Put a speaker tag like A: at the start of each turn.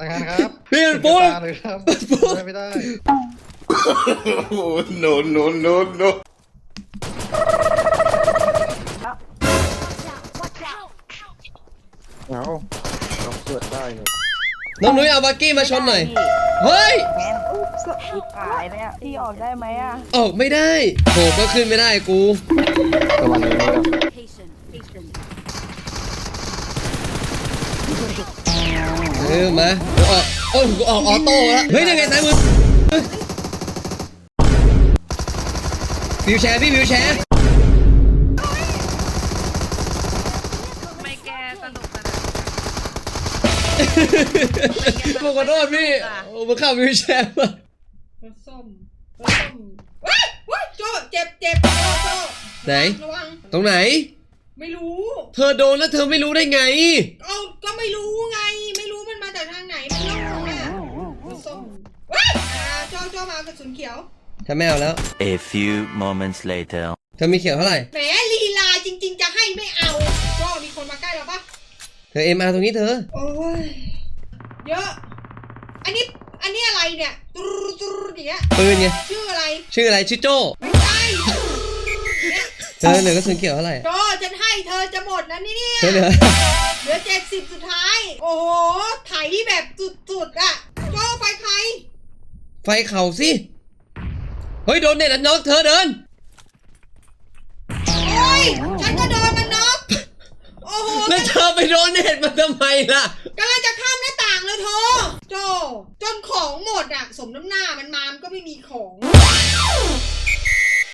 A: างานครับ
B: พี่มันปุ๊บ
A: เลยครับไม่ได้
C: โอ้ no no no no
A: เอาเราเกิดได้เลย
B: น้องนุ้ยเอาบักกี้มาชนหน่อยเฮ้ย
D: แมนอุ๊บสอีกขายเนี่ยพี่ออกได้ไหมอ่ะ
B: ออกไม่ได้โหก็ขึ้นไม่ได้กู
A: ประมาณนี้ครับ
B: มาออกโอ้ยกูออกออโต้แล้วเฮ้ยยังไงสายมือวิวแชร์พี่วิวแชร์
E: ไม่แกสนุกอะนะ
B: ขอโทษพี่โอ้มาขับวิวแชร์มาร
E: ถส้มว้ายว้ายโจเจ็บโจ
B: ไหน
E: ระวัง
B: ตรงไหน
E: ไม่รู้
B: เธอโดนแล้วเธอไม่รู้ได้ไง
E: เอาก็ไม่รู้ไง ไม่รู้มันมาจากทางไหนไม่รู้อ่ะรถส้มว้ายโจมากระสุนเขียว
B: ฉันไม่เอาแล้ว
F: A few moments later.
B: เธอมีเขียวเท่าไหร่
E: แหมลีลาจริงๆจะให้ไม่เอาโจมีคนมาใกล้เราปะ
B: เธอเอ็มอาร์ตรงนี้เธอ
E: โอ้ยเยอะ อันนี้อะไรเนี่ยตุ๊ดอย่างเงี้ย
B: ปืนไง
E: ชื่ออะไร
B: ชื่ออะไรชื่อโจ้
E: ไม่ใช่เนี่ย
B: เธอเหลือกระสุนเขียวเท่าไหร่
E: โจฉันให้เธอจะหมดนะเนี่ย
B: เธอเหลือ
E: เหลือ70สุดท้าย โอ้โหไถแบบสุดๆอะโจไฟใคร
B: ไฟเข่าสิเฮ้ยโดนเน็ตอันน็อกเธอเดิน
E: โอ้ยฉันก็โดนมันน็อกโอ้โห
B: แล้วเธอไปโดนเน็ตมาทำไมล่ะ
E: กำลังจะข้ามหน้าต่างเลยโทโจจนของหมดอะสมน้ำหน้ามันมามันก็ไม่มีของ